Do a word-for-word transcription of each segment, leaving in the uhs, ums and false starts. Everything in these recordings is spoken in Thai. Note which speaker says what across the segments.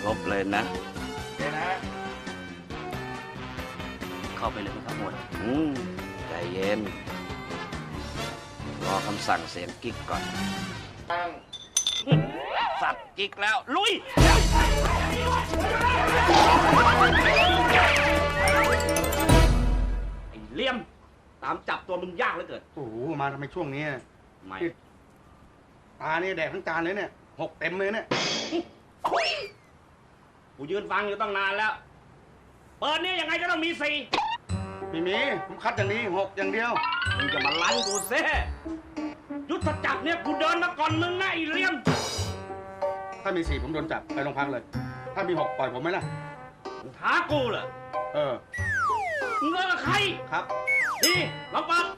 Speaker 1: รบเลยนะ
Speaker 2: เดี๋ยวนะ
Speaker 1: เข้าไปเลยไหมครับหมวดอืมใจเย็น รอคำสั่งเสียงกิ๊กก่อน
Speaker 2: ตั้ง
Speaker 1: สับกิ๊กแล้ว ลุย ไอ้เลี่ยม ตามจับตัวมึงยากเหลือเกิน
Speaker 2: โอ้โหมาทำไมช่วงนี้
Speaker 1: ไม่
Speaker 2: ตาเนี่ยแดกทั้งจานเลยเนี่ยหกเต็มเลยเนี่ย
Speaker 1: คุยกูยืนฟังอยู่ตั้งนานแล้ว เปิดเนี่ยยังไงก็ต้องมีสี่
Speaker 2: ไม่มีผมคัดอย่างนี้หกอย่างเดียว
Speaker 1: มึงจะมาลั่นกูเซ่ยุทธจักรเนี่ยกูเดินมาก่อนมึงนะไอ้เลี่ยม
Speaker 2: ถ้ามีสี่ผมโดนจับไปโรงพักเลย ถ้ามีหกปล่อยผมไหมล่ะ
Speaker 1: มึงท้ากูเหรอ
Speaker 2: เออ
Speaker 1: มึงเลิกกับใคร
Speaker 2: ครับ
Speaker 1: นี่ลองเปิด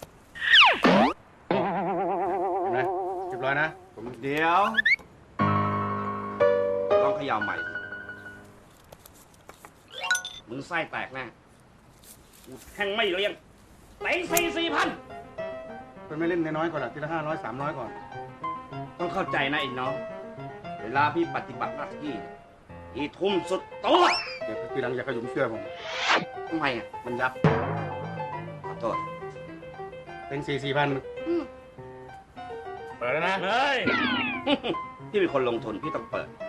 Speaker 2: เห็นไหมเรียบร้อยนะผม
Speaker 1: เดี๋ยว ลองเขย่าใหม่ มึงไส้แตกแน่กูแทงไม่เลี้ยงเต็งสี่สี่พัน
Speaker 2: เป็นไม่เล่นน้อยๆก่อนอะทีละห้าร้อยสามร้อยก่อน
Speaker 1: ต้องเข้าใจนะไอ้น้อง เวลาพี่ปฏิบัติหน้าที่พี่ทุ่มสุดตัว
Speaker 2: เดี๋ยวทีหลังอย่าขยุมเสื้อผม
Speaker 1: ทำไมอ่ะ
Speaker 2: มันยับ
Speaker 1: ขอโทษ
Speaker 2: เป็นสี่สี่พันเปิดแล้วนะ
Speaker 1: เฮ้ย พี่เป็นคนลงทุนพี่ต้องเปิด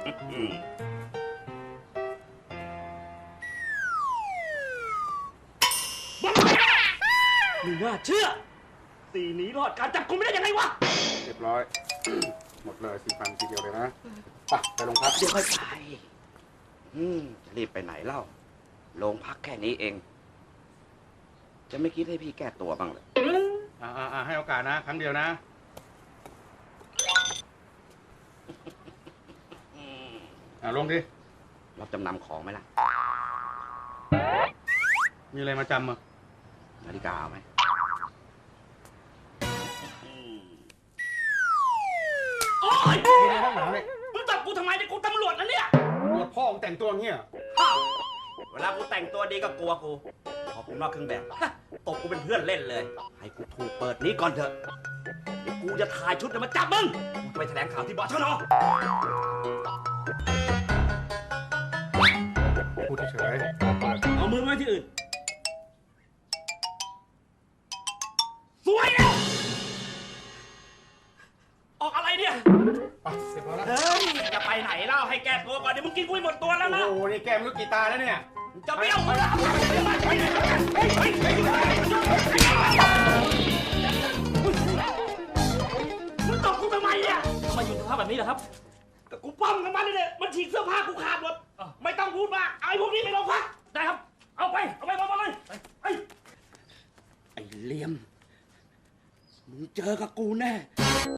Speaker 1: มึงว่าเชื่อสีหนีรอดการจับกุมไม่ได้ยังไงวะ
Speaker 2: เรียบร้อย หมดเลยสี่พันทีเดียวเลยนะไปไปโรงพัก
Speaker 1: เดี๋ยวค่อยไปอืมจะรีบไปไหนเล่า โรงพักแค่นี้เอง จะไม่คิดให้พี่แก้ตัวบ้างเลย
Speaker 2: อ่าอ่าให้โอกาสนะ ครั้งเดียวนะ อ่าลงดิ
Speaker 1: รับจำนำของไหมล่ะ
Speaker 2: มีอะไรมาจำอ่ะ
Speaker 1: นาฬิกาเอาไหมโอ๊ย
Speaker 2: มีอะไรบ้างหนาเนี่ย
Speaker 1: มึงจับกูทำไมเนี่ยกูตำรวจนะเนี่ย
Speaker 2: ตรวจพ่อของแต่งตัวอย่างเงี้ย
Speaker 1: อ้าวเวลากูแต่งตัวดีก็กลัวกู พอกูนอกเครื่องแบบฮะตบกูเป็นเพื่อนเล่นเลย ให้กูถูกเปิดนี้ก่อนเถอะเดี๋ยวกูจะถ่ายชุดเดี๋ยวมาจับมึง กูจะไปแถลงข่าวที่บชน
Speaker 2: พูดเฉย
Speaker 1: เอามือไว้ที่อื่น สวยแล้วออกอะไรเนี่ย
Speaker 2: ไปเสร็จแล้วนะ
Speaker 1: เฮ้ย จะไปไหนเล่าให้แก้ตัวก่อนเดี๋ยวมึงกินกุ้ยหมดตัวแล้วนะ
Speaker 2: โอ้โห นี่แกมลูกกีตาร์แล้วเนี่ย
Speaker 1: จะเบี้ยวมึงแล้วไปไหนเฮ้ยเฮ้ยเฮ้ยมึงตบกูทำไมเนี่ยทำไมอยู่สภาพแบบนี้ล่ะครับก็กูปั้มกันมาเนี่ยมันฉีกเสื้อผ้ากูขาดหมดไม่ต้องพูดมากเอาไอ้พวกนี้ไปโรงพักได้ครับ เอาไป เอาไปมาเลยไอ้ไอ้เหลี่ยมมึงเจอกับกูแน่